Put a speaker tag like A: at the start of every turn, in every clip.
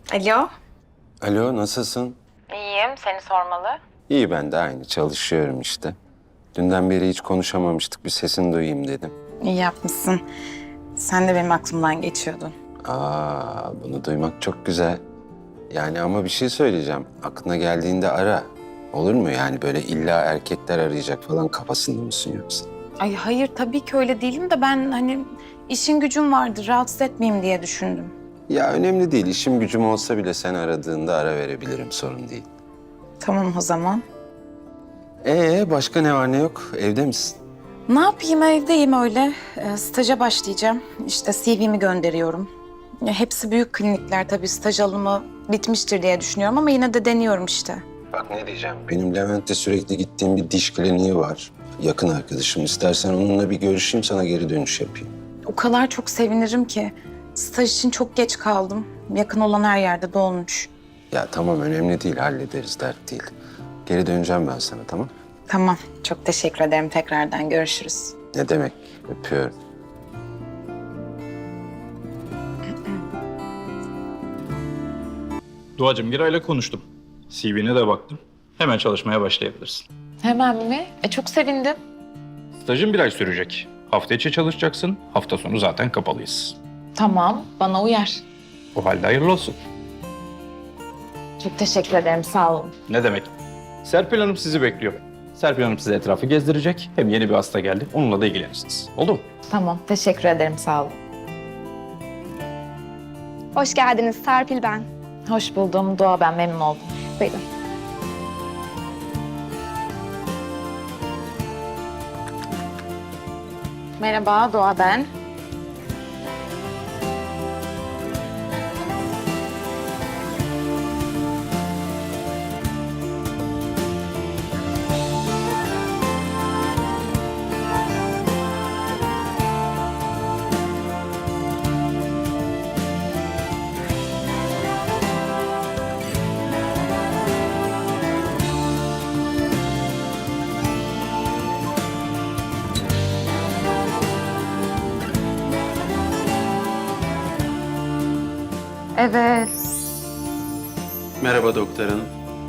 A: Alo.
B: Alo, nasılsın?
A: İyiyim, seni sormalı.
B: İyi, ben de aynı. Çalışıyorum işte. Dünden beri hiç konuşamamıştık. Bir sesini duyayım dedim.
A: İyi yapmışsın. Sen de benim aklımdan geçiyordun.
B: Bunu duymak çok güzel. Yani ama bir şey söyleyeceğim. Aklına geldiğinde ara. Olur mu? Yani böyle illa erkekler arayacak falan kafasında mısın yoksa?
A: Ay hayır, tabii ki öyle değilim de ben işin gücüm vardı, rahatsız etmeyeyim diye düşündüm.
B: Ya önemli değil. İşim gücüm olsa bile sen aradığında ara verebilirim. Sorun değil.
A: Tamam o zaman.
B: Başka ne var ne yok? Evde misin?
A: Ne yapayım, evdeyim öyle. Staja başlayacağım. İşte CV'mi gönderiyorum. Ya, hepsi büyük klinikler tabii, staj alımı bitmiştir diye düşünüyorum ama yine de deniyorum işte.
B: Bak ne diyeceğim. Benim Levent'te sürekli gittiğim bir diş kliniği var. Yakın arkadaşım. İstersen onunla bir görüşeyim, sana geri dönüş yapayım.
A: O kadar çok sevinirim ki. Staj için çok geç kaldım. Yakın olan her yerde dolmuş.
B: Ya tamam, önemli değil. Hallederiz, dert değil. Geri döneceğim ben sana, tamam?
A: Tamam, çok teşekkür ederim. Tekrardan görüşürüz.
B: Ne demek? Öpüyorum.
C: Doğacığım, Giray'la konuştum. CV'ne de baktım. Hemen çalışmaya başlayabilirsin.
A: Hemen mi? Çok sevindim.
C: Stajın 1 ay sürecek. Hafta içi çalışacaksın. Hafta sonu zaten kapalıyız.
A: Tamam, bana uyar.
C: O halde hayırlı olsun.
A: Çok teşekkür ederim, sağ olun.
C: Ne demek? Serpil Hanım sizi bekliyor. Serpil Hanım size etrafı gezdirecek. Hem yeni bir hasta geldi. Onunla da ilgilenirsiniz. Oldu mu?
A: Tamam, teşekkür ederim, sağ olun.
D: Hoş geldiniz, Serpil ben.
A: Hoş buldum, Doğa ben, memnun oldum.
D: Buyurun.
A: Merhaba, Doğa ben. Evet.
B: Merhaba doktor hanım.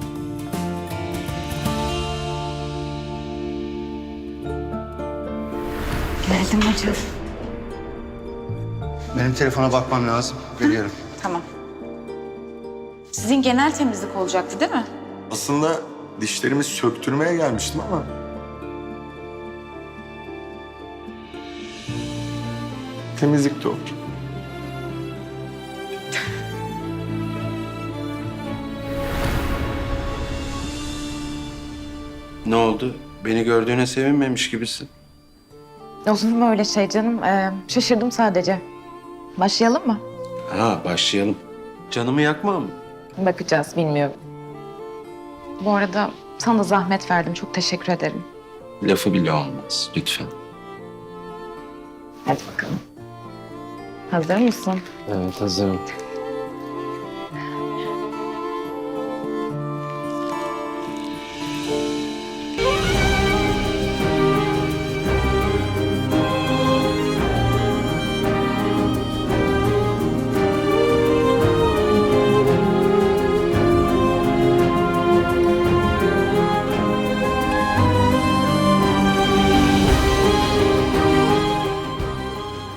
A: Geldim hocam.
E: Benim telefona bakmam lazım. Geliyorum.
A: Tamam. Sizin genel temizlik olacaktı değil mi?
E: Aslında dişlerimi söktürmeye gelmiştim ama... Temizlik de olur.
B: Ne oldu? Beni gördüğüne sevinmemiş gibisin.
A: Olur mu öyle şey canım? Şaşırdım sadece. Başlayalım mı?
B: Başlayalım. Canımı yakma mı?
A: Bakacağız, bilmiyorum. Bu arada sana da zahmet verdim, çok teşekkür ederim.
B: Lafı bile olmaz. Lütfen.
A: Hadi bakalım. Hazır mısın?
B: Evet, hazırım.